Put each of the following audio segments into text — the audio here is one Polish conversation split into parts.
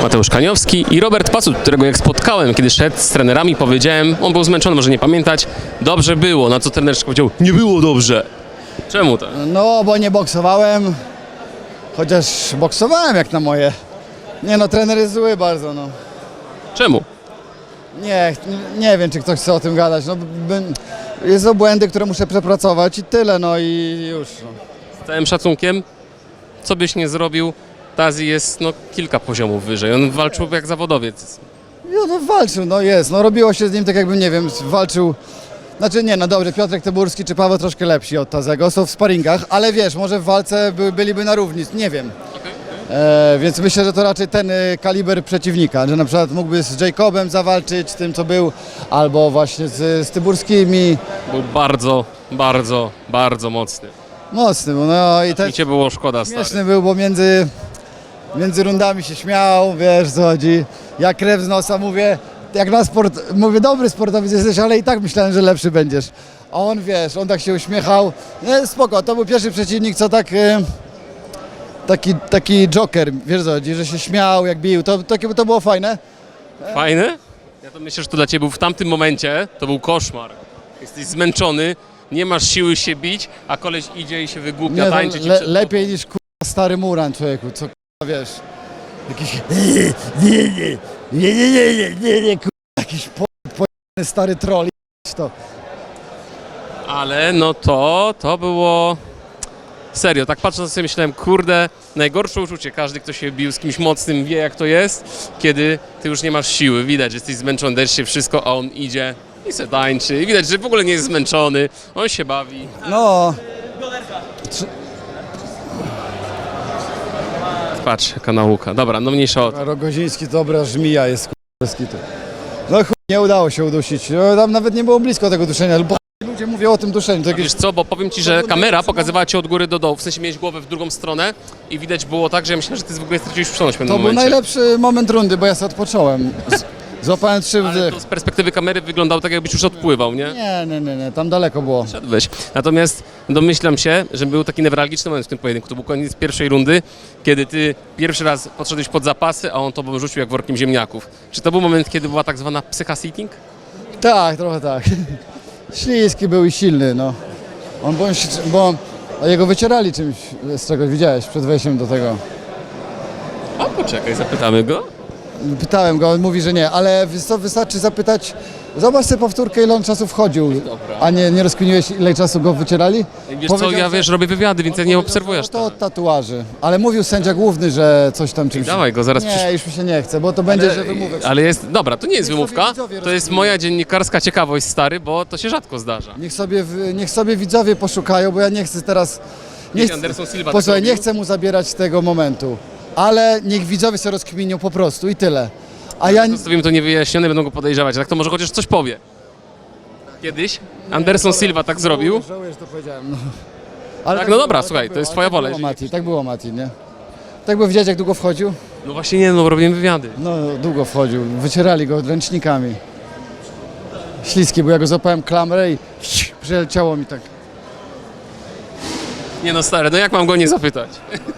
Mateusz Kaniowski i Robert Pacut, którego jak spotkałem, kiedy szedł z trenerami, powiedziałem, on był zmęczony, może nie pamiętać, dobrze było, na co trener powiedział, nie było dobrze. Czemu to? No, bo nie boksowałem, chociaż boksowałem jak na moje. Nie no, trener jest zły bardzo, no. Czemu? Nie wiem, czy ktoś chce o tym gadać, no. Jest błędy, które muszę przepracować i tyle, no i już. No. Z całym szacunkiem, co byś nie zrobił, Tazi jest kilka poziomów wyżej, on walczył jak zawodowiec. No walczył, no jest, no robiło się z nim tak jakbym, nie wiem, walczył. Znaczy nie, no dobrze, Piotrek Tyburski czy Paweł troszkę lepsi od Tazego, są w sparingach, ale wiesz, może w walce byliby na równi, nie wiem. Więc myślę, że to raczej ten kaliber przeciwnika, że na przykład mógłby z Jacobem zawalczyć, tym co był, albo właśnie z Tyburskimi. Był bardzo, bardzo, bardzo mocny. Mocny, no i też I cię było szkoda, stary. śmieszny był, bo między rundami się śmiał, wiesz co chodzi. Ja krew z nosa mówię, jak na sport, mówię, dobry sportowiec jesteś, ale i tak myślałem, że lepszy będziesz. A on, wiesz, on tak się uśmiechał. Nie, spoko, to był pierwszy przeciwnik, co tak... Taki joker, wiesz co chodzi, że się śmiał, jak bił, to było fajne. Fajny? Ja to myślę, że to dla ciebie był w tamtym momencie, to był koszmar. Jesteś zmęczony, nie masz siły się bić, a koleś idzie i się wygłupia, Nie, tańczy ci lepiej niż stary Muran, człowieku, co wiesz, jakiś jakiś pojebany stary troll, to. Ale to było... Serio, tak patrząc sobie myślałem, kurde, najgorsze uczucie, każdy kto się bił z kimś mocnym wie jak to jest, kiedy ty już nie masz siły, widać, że jesteś zmęczony, dajesz się wszystko, a on idzie i se tańczy i widać, że w ogóle nie jest zmęczony, on się bawi. No. Patrz, jaka nauka. Dobra, no mniejsza o to. Rogoziński to dobra żmija jest, k***ski. No chuj, nie udało się udusić, no, tam nawet nie było blisko tego duszenia, bo ludzie mówią o tym duszeniu. To jakieś... Wiesz co, bo powiem ci, że kamera pokazywała cię od góry do dołu, w sensie miałeś głowę w drugą stronę i widać było tak, że ja myślałem, że ty w ogóle straciłeś przytomność w pewnym To był momencie. najlepszy moment rundy, bo ja sobie odpocząłem. Złapałem 3 Ale wdech. to z perspektywy kamery wyglądało tak, jakbyś już odpływał, nie? Nie, tam daleko było. Szedłeś. Natomiast domyślam się, że był taki newralgiczny moment w tym pojedynku. To był koniec pierwszej rundy, kiedy ty pierwszy raz podszedłeś pod zapasy, a on tobą rzucił jak workiem ziemniaków. Czy to był moment, kiedy była tak zwana psycha-sitting? Tak, trochę tak. Śliski był i silny, no. A jego wycierali czymś, z czegoś widziałeś przed wejściem do tego. A poczekaj, zapytamy go. Pytałem go, on mówi, że nie, ale wystarczy zapytać, zobacz sobie powtórkę, ile on czasu wchodził, Dobra. a nie rozkminiłeś, ile czasu go wycierali? Wiesz co, ja robię wywiady, więc ja nie obserwuję aż To tak. od tatuaży, ale mówił sędzia główny, że coś tam czymś... Dawaj go, zaraz Nie, już mi się nie chce, bo to będzie, że wymówek. Ale jest, dobra, to nie jest Niech sobie wymówka, widzowie to jest rozumieją. moja dziennikarska ciekawość, stary, bo to się rzadko zdarza. Niech sobie widzowie poszukają, bo ja nie chcę teraz... Kiedyś Anderson Silva tak Posłuchaj, nie robił. chcę mu zabierać tego momentu, ale niech widzowie sobie rozkminią po prostu i tyle. A ja... Zostawimy to niewyjaśnione, będą go podejrzewać, a tak to może chociaż coś powie. Kiedyś Anderson Silva tak zrobił. Żałuję, że to powiedziałem. No. Ale Tak, no dobra, było, słuchaj, tak to jest było, twoja tak wola, było, jeżeli Mati, tak było, Mati, nie? Tak było, widziałeś jak długo wchodził? No właśnie nie, no robiłem wywiady. No, długo wchodził, wycierali go ręcznikami. Śliski, bo ja go złapałem klamrę i przeleciało mi tak. Nie no stary, no jak mam go nie zapytać?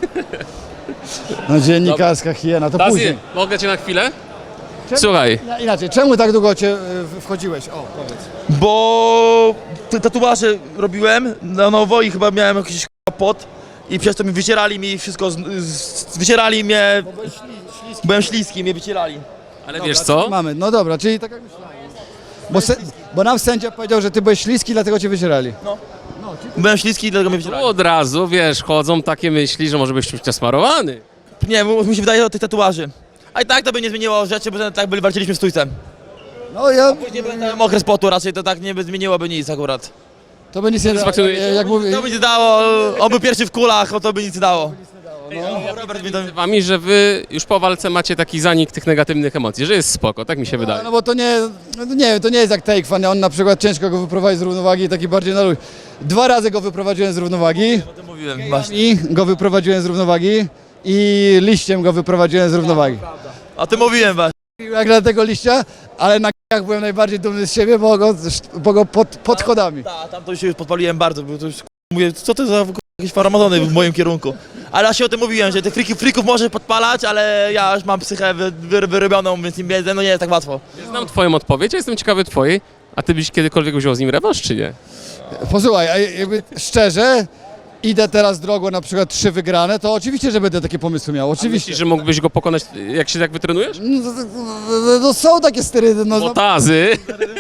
No dziennikarska hiena, to Tazi, później. mogę cię na chwilę? Słuchaj, Inaczej, czemu tak długo wchodziłeś? O, powiedz. Bo tatuaże robiłem na nowo i chyba miałem jakiś pot i przez to mi wycierali mi wszystko, wycierali mnie, byłem śliski, mnie wycierali. ale wiesz co? Mamy, no dobra, czyli tak jak myślałem. Bo nam sędzia powiedział, że ty byłeś śliski, dlatego cię wycierali. Byłem śliski i dlatego mnie wycierali. Od razu, wiesz, chodzą takie myśli, że może być czymś nasmarowany. Nie, bo mi się wydaje o tych tatuaży. A i tak to by nie zmieniło rzeczy, bo tak walczyliśmy z stójcem. No ja, Później byłem okres potu, raczej to tak nie by zmieniłoby nic akurat. to by nic nie dało, Satysfakcjonuje cię? jak mówię. To by nic dało, on był pierwszy w kulach, to by nic dało. Robert mi to... Z wami, że wy już po walce macie taki zanik tych negatywnych emocji, że jest spoko, tak mi się wydaje. No bo to nie wiem, to nie jest jak Take Fan, on na przykład ciężko go wyprowadzić z równowagi, taki bardziej na luź. 2 razy go wyprowadziłem z równowagi, O tym mówiłem, właśnie. i go wyprowadziłem z równowagi i liściem go wyprowadziłem z równowagi. O tym mówiłem właśnie. Jak dla tego liścia, ale na k***ach byłem najbardziej dumny z siebie, bo go pod schodami. Tam to już podpaliłem bardzo, bo to już mówię, co to za jakieś farmazony w moim kierunku. Ale ja się o tym mówiłem, że tych frików może podpalać, ale ja już mam psychę wyrobioną, więc im no nie jest tak łatwo. Ja znam twoją odpowiedź, ja jestem ciekawy twojej. A ty byś kiedykolwiek wziął z nim rewanż, czy nie? Posłuchaj, a jakby szczerze, idę teraz drogą na przykład 3 wygrane, to oczywiście, że będę takie pomysły miał, oczywiście. Myślisz, że mógłbyś go pokonać, jak się tak wytrenujesz? No są takie sterydy, no. Botazy.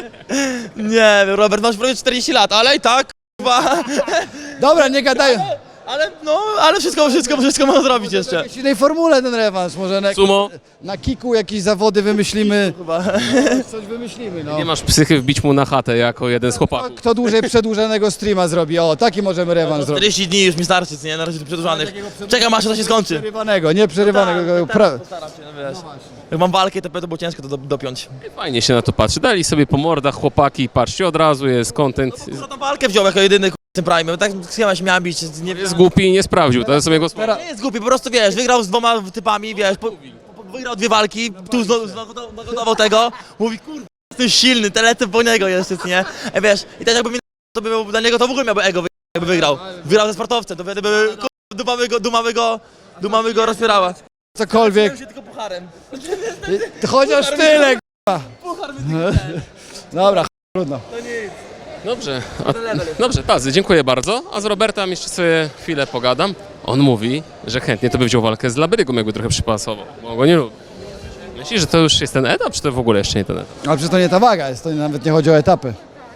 Nie, Robert, masz prawie 40 lat, ale i tak, kurwa. Dobra, nie gadają. Ale wszystko można zrobić jeszcze. W jakiejś innej formule ten rewanż, może Sumo. na kiku jakieś zawody wymyślimy. Chyba. Coś wymyślimy, no. Nie masz psychy wbić mu na chatę jako jeden z chłopaków. Kto dłużej przedłużonego streama zrobi? O, taki możemy rewanż zrobić. 40 dni już mi starczy, nie? Na razie przedłużanych. Czekam aż to się skończy. Przerywanego, nie przerywanego. Postaram się, no wiesz. Jak mam walkę, to było ciężko to dopiąć. Fajnie się na to patrzy. Dali sobie po mordach chłopaki, patrzcie, od razu jest content. Co tam walkę wziął jako jedyny w tym prime, tak schema się miałem bić, nie Jest głupi i nie sprawdził, to jest sobie go słowa. Nie jest głupi, po prostu wiesz, wygrał z 2 typami, wiesz, wygrał 2 walki, tu znowu tego, mówi kurwa, jestem silny, telecę po niego jeszcze, nie? Wiesz, i też jakby mi to by był dla niego, to w ogóle miałby ego, jakby wygrał. Wygrał ze sportowcem, to wtedy by dumamy go rozpierała. Cokolwiek. się tylko pucharem. Chociaż tyle, k***a. Dobra, trudno. Dobrze, dobrze, Tazy, dziękuję bardzo. A z Robertem jeszcze sobie chwilę pogadam. On mówi, że chętnie to by wziął walkę z Labrygą, jakby trochę przypasował, bo on go nie lubi. Myślisz, że to już jest ten etap, czy to w ogóle jeszcze nie ten etap? Ale przecież to nie ta waga jest, to nawet nie chodzi o etapy.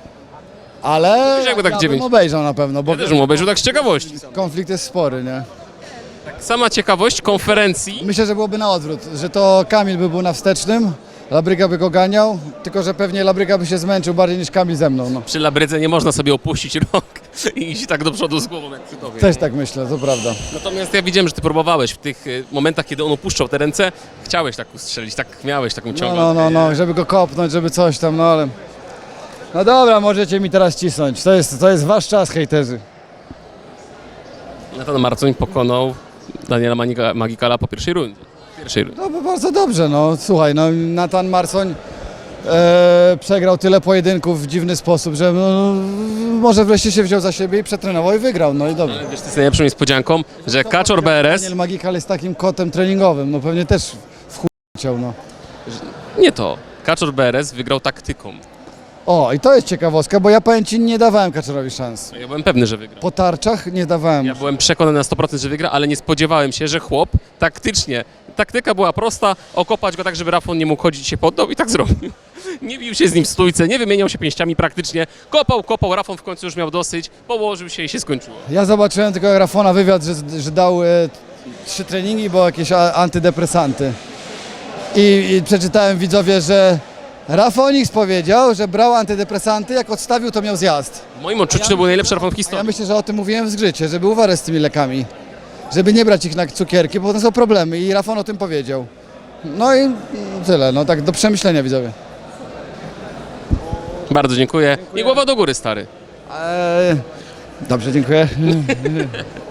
Ale Wiesz, jakby tak ja 9. bym obejrzał na pewno, bo Ja też mu obejrzał tak z ciekawości. konflikt jest spory, nie? Sama ciekawość konferencji. Myślę, że byłoby na odwrót, że to Kamil by był na wstecznym, Labryga by go ganiał, tylko że pewnie Labryga by się zmęczył bardziej niż Kamil ze mną, no. Przy Labrydze nie można sobie opuścić rąk i iść tak do przodu z głową jak przy tobie. Też tak myślę, to prawda. Natomiast ja widziałem, że ty próbowałeś w tych momentach, kiedy on opuszczał te ręce, chciałeś tak ustrzelić, tak miałeś taką ciągłą. No, żeby go kopnąć, żeby coś tam, no ale... No dobra, możecie mi teraz cisnąć, to jest wasz czas, hejterzy. Natan Marcoń pokonał Daniela Magikala po pierwszej rundzie. No bo bardzo dobrze, no słuchaj, no Natan Marcoń przegrał tyle pojedynków w dziwny sposób, że no, może wreszcie się wziął za siebie i przetrenował i wygrał, no i dobrze. Ale wiesz, to jest najlepszą niespodzianką, że Kaczor BRS, Daniel Magikal jest takim kotem treningowym, no pewnie też w chuj chciał, no. nie to, Kaczor BRS wygrał taktyką. O, i to jest ciekawostka, bo ja powiem ci, nie dawałem Kaczorowi szans. Ja byłem pewny, że wygra. Po tarczach nie dawałem. Ja byłem przekonany na 100%, że wygra, ale nie spodziewałem się, że chłop taktycznie, taktyka była prosta, okopać go tak, żeby Rafon nie mógł chodzić, się poddał i tak zrobił. Nie bił się z nim w stójce, nie wymieniał się pięściami praktycznie, kopał, Rafon w końcu już miał dosyć, położył się i się skończyło. Ja zobaczyłem tylko jak Rafona wywiad, że dał 3 treningi, bo jakieś antydepresanty. I przeczytałem widzowie, że Rafonix powiedział, że brał antydepresanty, jak odstawił, to miał zjazd. W moim odczuciu to był najlepszy Rafon w A ja historii. myślę, że o tym mówiłem w zgrzycie, żeby uważać z tymi lekami. Żeby nie brać ich na cukierki, bo to są problemy i Rafon o tym powiedział. No i tyle, no tak do przemyślenia widzowie. Bardzo dziękuję i głowa do góry, stary. Dobrze, dziękuję.